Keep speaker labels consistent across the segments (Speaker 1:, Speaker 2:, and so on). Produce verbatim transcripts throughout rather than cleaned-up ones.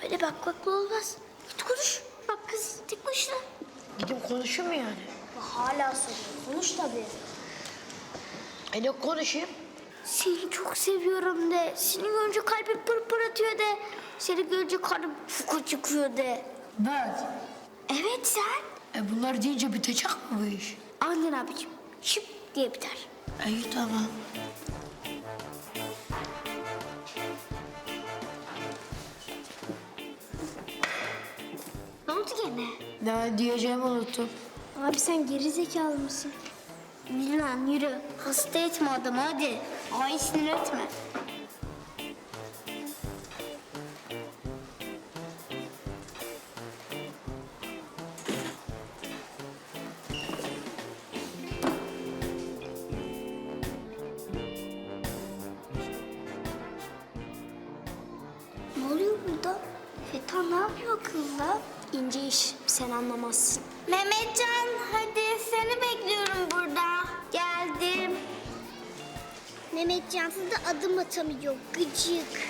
Speaker 1: Öyle bakmakla olmaz. Git konuş. Bak kız tek başına.
Speaker 2: Gidip konuşayım mı yani?
Speaker 1: Hala soruyor. Konuş tabii.
Speaker 2: E ne konuşayım?
Speaker 1: Seni çok seviyorum de. Seni görünce kalbim pır pır atıyor de. Seni görünce karnım fuku çıkıyor de.
Speaker 2: Ben.
Speaker 1: Evet sen.
Speaker 2: E bunlar deyince bitecek mi bu iş?
Speaker 1: Aynen abicim. Şıp diye biter.
Speaker 2: İyi tamam.
Speaker 1: Ne oldu gene?
Speaker 2: Ne diyeceğimi unuttum.
Speaker 1: Abi sen geri zekalı mısın? Yürü lan yürü. Hasta etme adamı hadi. Ay sinir etme. Ne oluyor burada? Feta ne yapıyor akıllı? İnce iş, sen anlamazsın. Mehmetcan, hadi seni bekliyorum burada. Geldim. Mehmetcan da adım atamıyor, gıcık.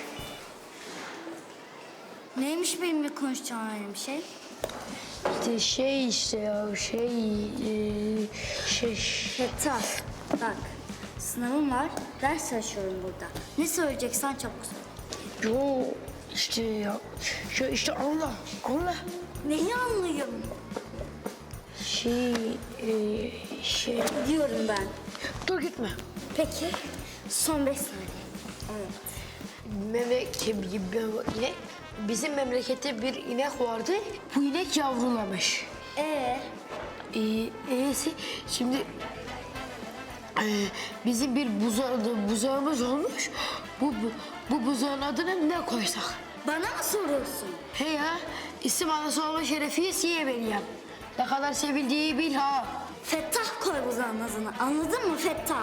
Speaker 1: Neymiş benimle konuşacağın öyle bir şey?
Speaker 2: İşte şey işte ya şey e, şey.
Speaker 1: Feta, bak sınavım var, ders çalışıyorum burada. Ne söyleyeceksen çabuk söyle.
Speaker 2: Yo işte ya şey işte anla anla.
Speaker 1: Neyi anlayayım?
Speaker 2: Şey e, şey.
Speaker 1: Diyorum ben.
Speaker 2: Dur gitme.
Speaker 1: Peki, son beş saniye. Evet.
Speaker 2: Memleket yine bizim memlekette bir inek vardı. Bu inek yavrulamış.
Speaker 1: Ee,
Speaker 2: Ee, iyisi şimdi e, bizim bir buzağı, buzağımız olmuş. Bu, bu, bu buzağın adını ne koysak?
Speaker 1: bana mı soruyorsun?
Speaker 2: He ya, isim anası olma şerefiyle siye vereyim. Ne kadar sevildiği bil ha.
Speaker 1: Fettah koy buzağın adını, anladın mı Fettah?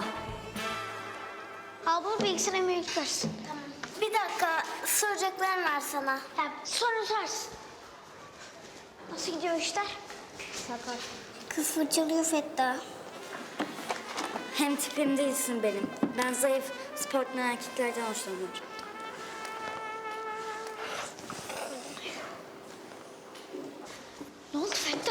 Speaker 1: Abla bilgisayara mı yüklersin? Tamam. Bir dakika, soracaklarım var sana. Tamam, soru sorarsın. Nasıl gidiyor işler? Sakar. Kız fırçalıyor Fettah. Hem tipim değilsin benim. Ben zayıf, sportlu erkeklerden hoşlanıyorum. Ne oldu Fettah?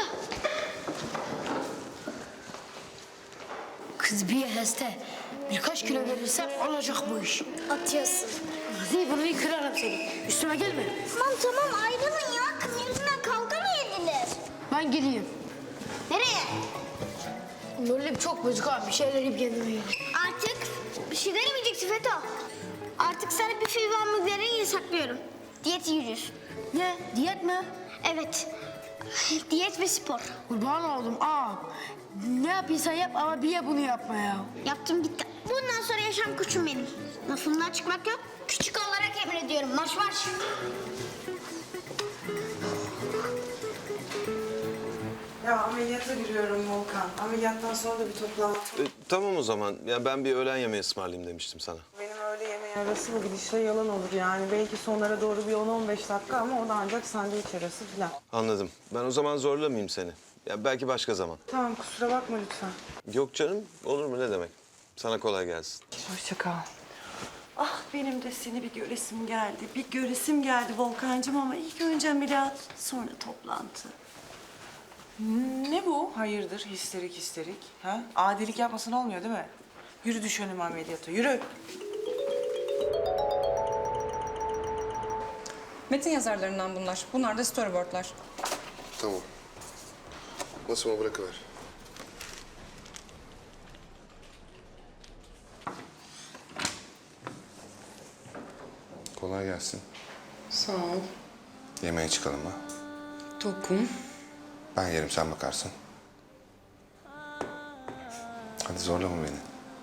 Speaker 2: Kız bir heste. Birkaç kilo verirsem olacak bu iş.
Speaker 1: Atıyorsun.
Speaker 2: Hadi bunu kırarım seni. Üstüme gelme.
Speaker 1: Tamam tamam ayrılın ya. Kız yüzünden kavga mı edilir?
Speaker 2: Ben gideyim.
Speaker 1: Nereye?
Speaker 2: Moralim çok bozuk abi. Bir şeyler yiyip kendime geleyim.
Speaker 1: Artık bir şeyler yemeyeceksin Feto. Artık sana bir fiil hamburgerini yasaklıyorum. Diyet yürüyorsun.
Speaker 2: Ne? Diyet mi?
Speaker 1: Evet. Diyet ve spor.
Speaker 2: Kurban oldum. Aa, ne yapıyorsan yap ama bir ya bunu yapma ya.
Speaker 1: Yaptım gitti. Bundan sonra yaşam koçum benim. Lafımdan çıkmak yok. Küçük olarak emrediyorum. Marş marş.
Speaker 3: Ya ameliyata giriyorum Volkan. Ameliyattan sonra da bir toplantı.
Speaker 4: E, tamam o zaman. Ya ben bir öğlen yemeği ısmarlayayım demiştim sana.
Speaker 3: Benim öğle yemeği arası bu gidişle yalan olur yani. Belki sonlara doğru bir on on beş dakika ama o da ancak sandviç arası falan.
Speaker 4: Anladım. Ben o zaman zorlamayayım seni. Ya belki başka zaman.
Speaker 3: Tamam kusura bakma lütfen.
Speaker 4: Yok canım. Olur mu ne demek? Sana kolay gelsin.
Speaker 3: Hoşça kal. Ah benim de seni bir göresim geldi. Bir göresim geldi Volkancığım ama ilk önce ameliyat sonra toplantı. Ne bu? Hayırdır histerik histerik? Ha? Adilik yapmasın olmuyor değil mi? Yürü düş önüme ameliyata yürü.
Speaker 5: Metin yazarlarından bunlar. Bunlar da storyboardlar.
Speaker 6: Tamam. Masama bırakıver. Kolay gelsin.
Speaker 5: Sağ ol.
Speaker 6: Yemeğe çıkalım mı?
Speaker 5: Tokum.
Speaker 6: Ben yerim, sen bakarsın. Hadi zorlama beni.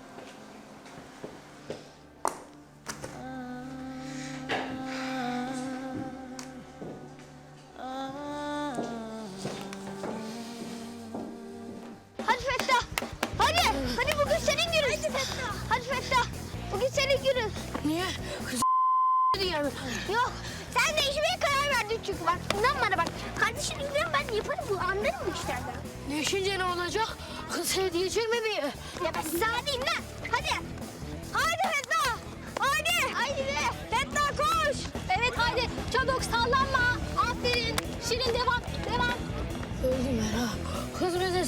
Speaker 1: Hadi Fettah. Hadi. Hadi bugün senin günün. Hadi Fettah. Hadi Fettah. Bugün senin günün.
Speaker 2: Niye? Kız yani.
Speaker 1: Yok. Sen değişmeye karar verdin çünkü bak. İnan bana bak. Kardeşini gidiyorum ben yaparım bu. Anlarım bu işlerden.
Speaker 2: Değişince ne olacak? Kız hediye çekme bir.
Speaker 1: Ya ben size hadi lan. Hadi. Hadi Fettah. Hadi. Haydi be. Fettah koş. Evet hadi. Çabuk sallanma.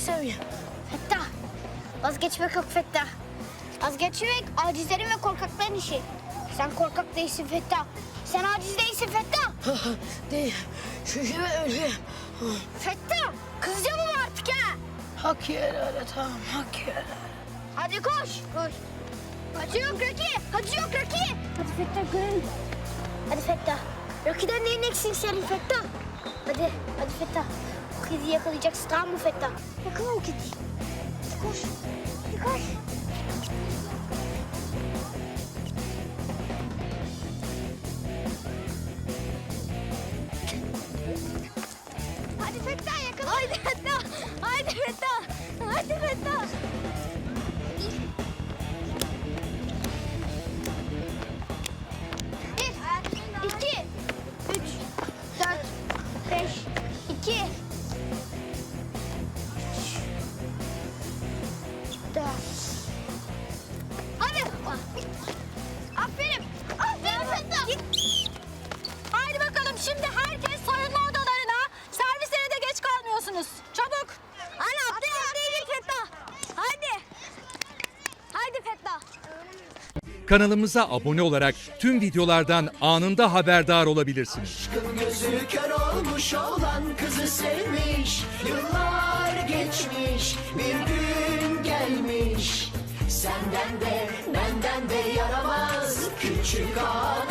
Speaker 2: istemiyorum.
Speaker 1: Fettah. Vazgeçmek yok Fettah. Vazgeçmek acizlerin ve korkakların işi. Sen korkak değilsin Fettah. Sen aciz değilsin Fettah.
Speaker 2: Değil. Şu işime ölüyorum.
Speaker 1: Fettah. Kızacağım ama artık ha.
Speaker 2: Hak yerlere tamam hak yerlere.
Speaker 1: Hadi koş. Koş. Hacı yok Rocky. Hacı yok Rocky. Hadi Fettah görelim. Hadi Fettah. Rocky'den neyin eksik senin Fettah? Hadi. Hadi Fettah. O kediyi yakalayacaksın tamam mı Fettah? Yakala o kediyi. Hadi koş. Hadi koş. Hadi Fettah yakala. Haydi Fettah. Haydi Fettah. Haydi Fettah. Bir, iki, üç, dört, beş, iki, üç, dört. Hadi. Aferin. Aferin Fettah.
Speaker 7: Haydi bakalım şimdi herkes soyunma odalarına. Servislere de geç kalmıyorsunuz. Çabuk.
Speaker 1: Ana atlayın atlayın Fettah. Haydi. Haydi Fettah.
Speaker 8: Kanalımıza abone olarak tüm videolardan anında haberdar olabilirsiniz.
Speaker 9: Aşkın gözü kör olmuş olan kızı sevmiş. Yıllar geçmiş, bir gün gelmiş. Senden de benden de yaramaz küçük ağa